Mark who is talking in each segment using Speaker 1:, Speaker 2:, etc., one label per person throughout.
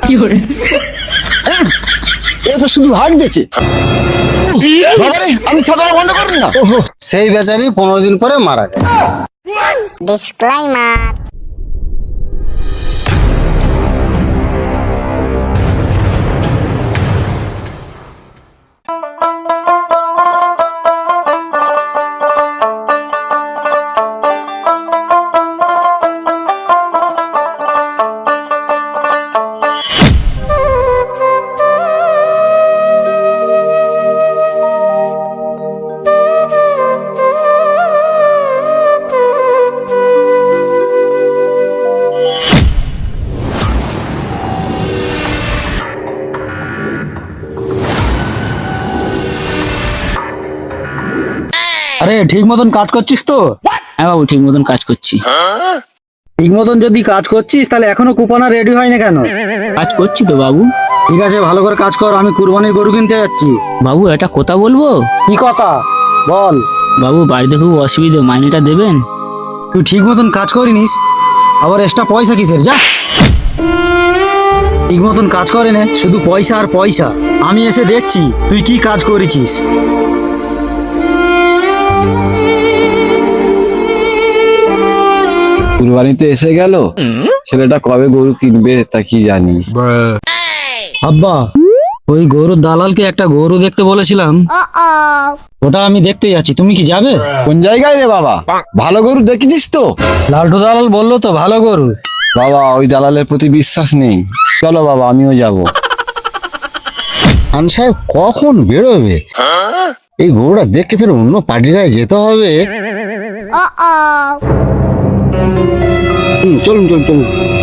Speaker 1: এটা শুধু হাঁক দিয়েছে। বাবারে, আমি ছাতাটা বন্ধ করুন না।
Speaker 2: সেই বেচারি 15 দিন পরে মারা যায়।
Speaker 3: ডিসক্লেইমার।
Speaker 4: আরে ঠিক মতন কাজ করছিস তো?
Speaker 5: হ্যাঁ বাবু, ঠিক মতন কাজ করছি।
Speaker 4: ঠিক মতন যদি কাজ করছিস তাহলে এখনো কুপনা রেডি হয় না কেন?
Speaker 5: কাজ করছি তো বাবু।
Speaker 4: ঠিক আছে, ভালো করে কাজ কর, আমি কুরবানির গরু কিনতে যাচ্ছি।
Speaker 5: বাবু একটা কথা বলবো?
Speaker 4: কি কথা বল।
Speaker 5: বাবু বাড়িতে খুব অসুবিধা, মাইনেটা দেবেন?
Speaker 4: তুই ঠিক মতন কাজ করিনিস, আবার এক্সট্রা পয়সা কিসের? যা, ঠিক মতন কাজ করে নে, শুধু পয়সা আর পয়সা। আমি এসে দেখছি তুই কি কাজ করেছিস।
Speaker 1: কুরবানি তো এসে গেল, ছেলেটা কবে গরু কিনবে তা কি জানি।
Speaker 4: আব্বা, ওই গরুর দালালকে একটা গরু দেখতে বলেছিলাম, ওটা আমি দেখতে যাচ্ছি, তুমি কি যাবে?
Speaker 1: কোন জায়গায় রে বাবা? ভালো গরু দেখেছিস তো?
Speaker 4: লালটু দালাল বললো তো ভালো গরু।
Speaker 1: বাবা, ওই দালালের প্রতি বিশ্বাস নেই। চলো বাবা, আমিও যাব।
Speaker 2: খান সাহেব কখন বেরোবে? এই গরুটা দেখে ফের অন্য পার্টির গায়ে যেতে হবে। চলুন চলুন চলুন।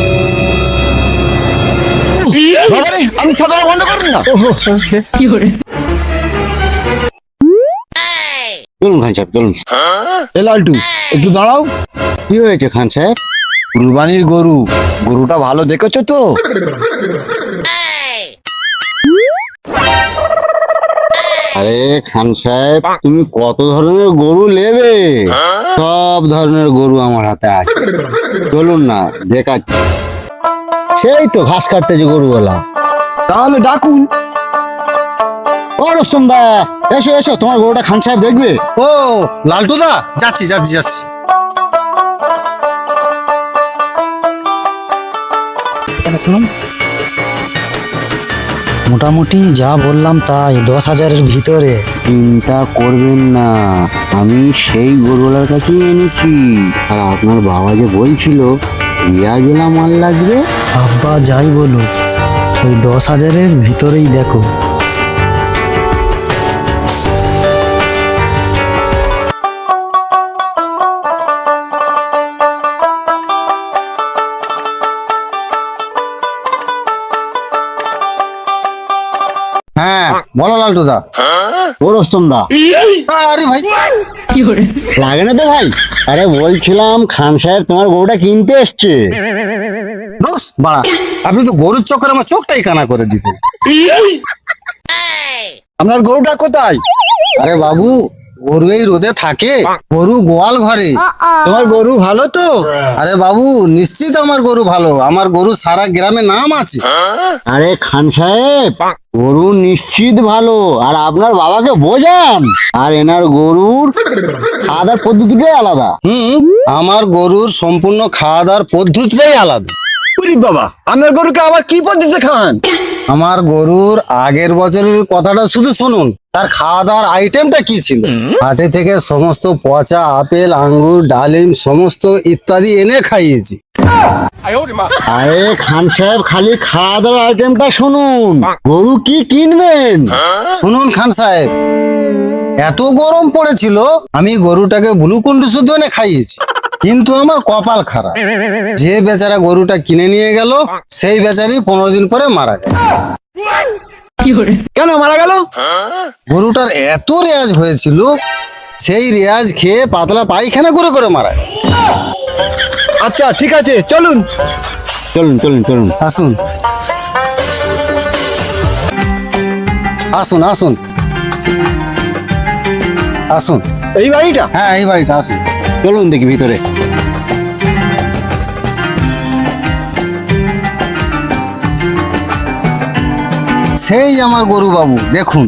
Speaker 1: বাবারে, আমি ছাতাটা বন্ধ করুন না।
Speaker 2: চলুন খান সাহেব চলুন।
Speaker 1: এ লালটু, একটু দাঁড়াও।
Speaker 2: কি হয়েছে খান সাহেব?
Speaker 1: কুরবানির গরু, গরুটা ভালো দেখেছো তো?
Speaker 2: আরে খান সাহেব, তুমি কত ধরনের গরু নেবে? সব ধরনের গরু আমার হাতে আছে, চলুন না দেখাচ্ছি। সেই তো ঘাস কাটতে যে গরুওয়ালা।
Speaker 1: তাহলে ডাকুন।
Speaker 2: ও রুস্তম দা, এসো এসো, তোমার গরুটা খান সাহেব দেখবে। ও লালটু দা, যাচ্ছি যাচ্ছি যাচ্ছি।
Speaker 4: মোটামুটি যা বললাম তাই, 10,000-এর ভিতরে।
Speaker 2: চিন্তা করবেন না, আমি সেই গরুওয়ালার কাছেই এনেছি। আর আপনার বাবা যে বলছিল রিয়াজেলা মাল লাগবে।
Speaker 4: আব্বা যাই বলুক, ওই 10,000-এর ভিতরেই দেখো।
Speaker 2: হ্যাঁ বলো লালটু দা। ও রুস্তম দা। আরে ভাই, লাগে না তো ভাই? আরে বলছিলাম খান সাহেব তোমার গরুটা কিনতে এসছে। দোস বাড়া, আপনি তো গরুর চক্করে আমার চোখটাই কানা করে দিতেন।
Speaker 1: আপনার গরুটা কোথায়?
Speaker 2: আরে বাবু, গরু এই রোদে থাকে, গরু গোয়াল ঘরে।
Speaker 1: তোমার গরু ভালো তো?
Speaker 2: আরে বাবু, নিশ্চিত আমার গরু ভালো, আমার গরু সারা গ্রামে নাম আছে। আরে খান সাহেব, গরু নিশ্চিত ভালো, আর আপনার বাবাকে বোঝান। আর এনার গরুর খাওয়া দাওয়ার পদ্ধতিটাই আলাদা। আমার গরুর সম্পূর্ণ খাওয়া দাওয়ার পদ্ধতিটাই আলাদা।
Speaker 1: উরি বাবা, আপনার গরুকে আবার কি পদ্ধতিতে খাওয়ান?
Speaker 2: আমার গরুর আগের বছরের কথাটা শুধু শুনুন, তার খাওয়া দাওয়ার আইটেমটা কি ছিল। হাটে থেকে সমস্ত পচা আপেল, আঙ্গুর, ডালিম সমস্ত ইত্যাদি এনে খাইয়েছি। আরে খান সাহেব, খালি খাওয়া দাওয়ার আইটেমটা শুনুন, গরু কি কিনবেন শুনুন। খান সাহেব, এত গরম পড়েছিল, আমি গরুটাকে গ্লুকন্ডি শুদ্ধ এনে খাইয়েছি। কিন্তু আমার কপাল খারাপ, যে বেচারা গরুটা কিনে নিয়ে গেল সেই বেচারি 15 দিন পরে মারা গেল।
Speaker 1: কেন মারা গেল?
Speaker 2: গরুটার এত রেয়াজ হয়েছিল, সেই রেয়াজ খেয়ে পাতলা পায়খানা করে করে মারা গেল।
Speaker 1: আচ্ছা ঠিক আছে, চলুন
Speaker 2: চলুন চলুন চলুন, আসুন আসুন আসুন আসুন।
Speaker 1: এই বাড়িটা?
Speaker 2: হ্যাঁ এই বাড়িটা, আসুন চলুন দেখি ভিতরে। সেই আমার গরু বাবু, দেখুন।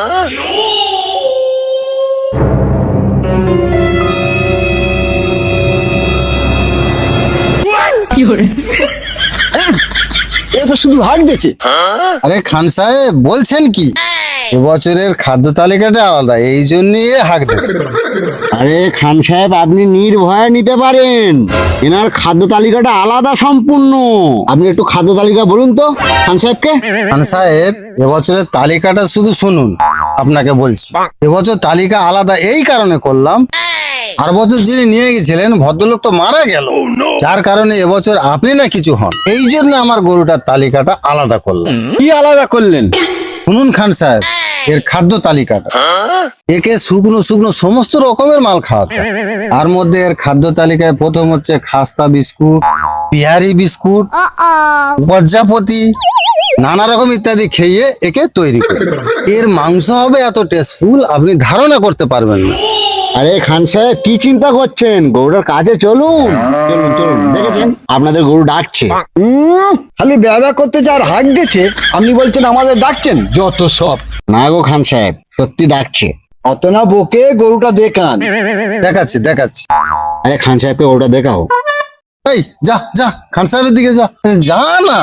Speaker 1: এ তো শুধু হাঁক দিচ্ছে।
Speaker 2: আরে খান সাহেব বলছেন কি, এবছরের খাদ্য তালিকাটা আলাদা, এই জন্যই হাঁক দিচ্ছে।
Speaker 3: আরে খান সাহেব, আপনি নির্ভয়ে নিতে পারেন, এনার খাদ্য তালিকাটা আলাদা সম্পূর্ণ। আপনি একটু খাদ্য তালিকা বলুন তো খান সাহেবকে।
Speaker 2: খান সাহেব এবছরের তালিকাটা শুধু শুনুন, আপনাকে বলছি। এবছর তালিকা আলাদা এই কারণে করলাম, আর বছর যিনি নিয়ে গেছিলেন ভদ্রলোক তো মারা গেল, যার কারণে এবছর আপনি না কিছু হন, এই জন্য আমার গরুটার তালিকাটা আলাদা করলাম।
Speaker 1: কি আলাদা করলেন?
Speaker 2: শুনুন খান সাহেব, এর খাদ্য তালিকাটা, একে শুকনো শুকনো সমস্ত রকমের মাল খাওয়াতে হয়। তার মধ্যে এর খাদ্য তালিকায় প্রথম হচ্ছে খাস্তা বিস্কুট, বিহারি বিস্কুট, প্রজাপতি, নানা রকম ইত্যাদি খেয়ে একে তৈরি করে। এর মাংস হবে এত টেস্টফুল আপনি ধারণা করতে পারবেন না।
Speaker 3: আরে খান সাহেব কি চিন্তা করছেন, গরুটার কাছে চলুন। চলুন চলুন, দেখেছেন আপনাদের গরু ডাকছে।
Speaker 1: খালি ব্যবহার করতে আর হাঁক দিচ্ছে, আপনি বলছেন আমাদের ডাকছেন? যত সব।
Speaker 3: না গো খান সাহেব, সত্যি ডাকছে।
Speaker 1: অত না বকে গরুটা দেখান।
Speaker 2: দেখাচ্ছি দেখাচ্ছি।
Speaker 3: আরে খান সাহেবকে গরুটা দেখাও।
Speaker 2: এই যা যা, খান সাহেবের দিকে যা। আরে যা না।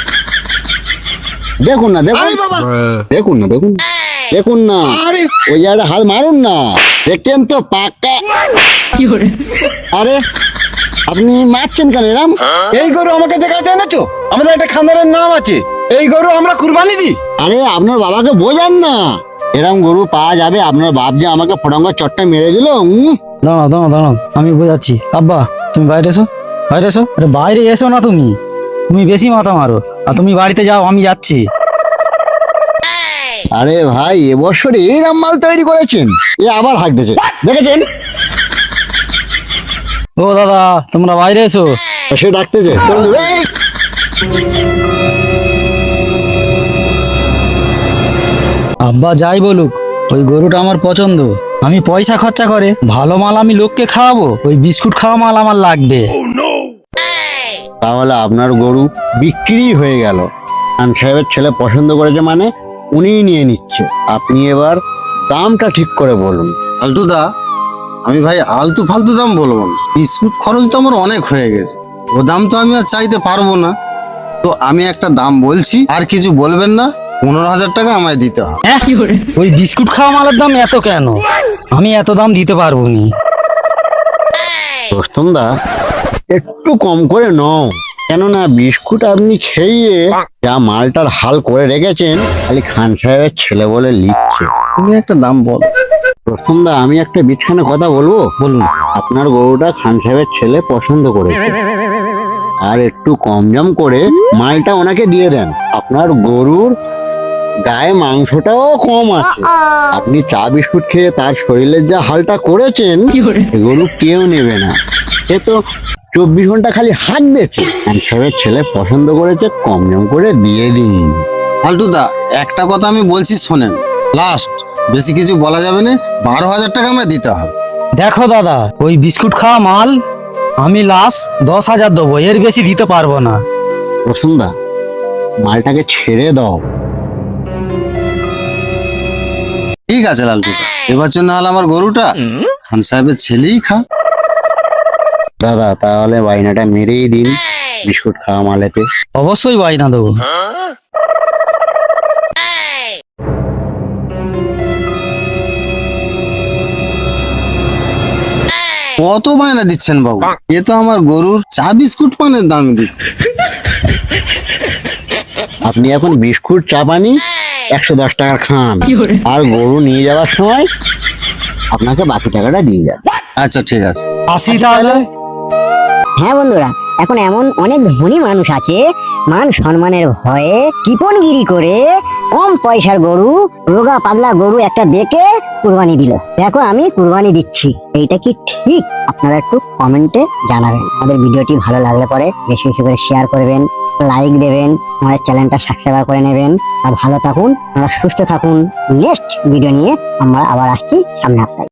Speaker 3: দেখুন না, দেখুন,
Speaker 1: আরে বাবা,
Speaker 3: দেখুন না, দেখুন, দেখুন না,
Speaker 1: আরে
Speaker 3: ওই জায়গাটা হাত মারুন না। দেখছেন তো পাক্কা। আরে আপনি মারছেন কেন এরাম?
Speaker 1: এই গরু আমাকে দেখাতে এনেছো? আমাদের একটা খানদানের নাম আছে, এই গরু আমরা কুরবানি দিই।
Speaker 3: আরে আপনার বাবাকে বোঝান না, এরম গরু পাওয়া যাবে? আপনার বাপ যে আমাকে ফটাঙ্গা চটটা মেরে দিল।
Speaker 4: দাঁড়াও দাঁড়াও দাঁড়াও, আমি বোঝাচ্ছি। আব্বা তুমি বাইরে এসো, বাইরে এসো। আরে বাইরে এসো না, তুমি তুমি বেশি মাথা মারো। আর তুমি বাড়িতে যাও, আমি যাচ্ছি।
Speaker 3: আরে ভাই, এবছর এরম মাল তৈরি করেছেন, এ আবার হাঁক দিয়েছে, দেখেছেন?
Speaker 4: ও দাদা, তোমরা বাইরে এসো।
Speaker 3: সে ডাকতেছে, চলুন। এই!
Speaker 4: আব্বা যাই বলুক, ওই গরুটা আমার পছন্দ। আমি পয়সা খরচা করে ভালো মাল আমি লোককে খাওয়াবো, ওই বিস্কুট খাওয়া মাল আমার লাগবে।
Speaker 3: তাহলে আপনার গরু বিক্রি হয়ে গেল। খান সাহেবের ছেলে পছন্দ করেছে মানে উনিই নিয়ে নিচ্ছে। আপনি এবার দামটা ঠিক করে বলুন।
Speaker 2: ফালতু দা, আমি ভাই আলতু ফালতু দাম বলবো না। বিস্কুট খরচ তো আমার অনেক হয়ে গেছে, ও দাম তো আমি আর চাইতে পারবো না। তো আমি একটা দাম বলছি, আর কিছু বলবেন না। 15,000 টাকা আমায় দিতে হবে।
Speaker 4: হ্যাঁ, ওই বিস্কুট খাওয়া মালের দাম এত কেন? আমি এত দাম দিতে পারবো নি।
Speaker 3: রোস্তম দা, একটু কম করে নাও, কেননা বিস্কুট আপনি খেয়ে যা মালটার হাল করে রেখেছেন, খালি খান সাহেবের ছেলে বলে লিখছে।
Speaker 2: তুমি একটা দাম বলো।
Speaker 3: রোস্তম দা, আমি একটা বিছখানে কথা বলবো। বলুন। আপনার গরুটা খান সাহেবের ছেলে পছন্দ করেছে, আর একটু কম জম করে মালটা ওনাকে দিয়ে দেন। আপনার গরুর গায়ে মাংসটাও কম আছে। আপনি চা বিস্কুট খেয়ে তার শরীরের যা হালটা করেছেন, এ গরু কেউ নেবে না। সে তো 24 ঘন্টা খালি হাত দিয়েছে। খান সাহেবের ছেলে পছন্দ করেছে, কম জম করে দিয়ে দিন।
Speaker 2: ফালতু দা, একটা কথা আমি বলছি শোনেন, লাস্ট, বেশি কিছু বলা যাবে না। 12,000 টাকা আমায় দিতে হবে।
Speaker 4: দেখো দাদা, ওই বিস্কুট খাওয়া মাল আমি লাস্ট 10,000 দেবো, এর বেশি দিতে পারবো না।
Speaker 3: রসুন দা, মালটাকে ছেড়ে দাও।
Speaker 2: ঠিক আছে লালটু দা, এবছর না হলে আমার গরুটা খান সাহেবের ছেলেই খা।
Speaker 3: দাদা, তাহলে বাইনাটা মেরেই দিন বিস্কুট খাওয়া মালেতে।
Speaker 4: অবশ্যই বায়না দেবো।
Speaker 2: কত বায়না দিচ্ছেন বাবু? এ তো আমার গরুর চা বিস্কুট পানের দাম দিচ্ছে।
Speaker 3: আপনি এখন বিস্কুট চা পানি 110 টাকার খান, আর গরু নিয়ে যাওয়ার সময় আপনাকে বাকি টাকাটা দিয়ে যান।
Speaker 2: আচ্ছা ঠিক আছে।
Speaker 4: আসি তাহলে।
Speaker 6: হ্যাঁ বন্ধুরা, এখন এমন অনেক ধনী মানুষ আছে, মান সম্মানের ভয়ে কিপনগিরি করে কম পয়সার গরু, রোগা পাতলা গরু একটা দেখে কুরবানি দিল। দেখো আমি কুরবানি দিচ্ছি, এইটা কি ঠিক? আপনারা একটু কমেন্টে জানাবেন। আমাদের ভিডিওটি ভালো লাগলে পরে বেশি বেশি করে শেয়ার করবেন, লাইক দেবেন, আমাদের চ্যানেলটা সাবস্ক্রাইব করে নেবেন। আর ভালো থাকুন, আমরা সুস্থ থাকুন। নেক্সট ভিডিও নিয়ে আমরা আবার আসছি সামনে আপনাদের।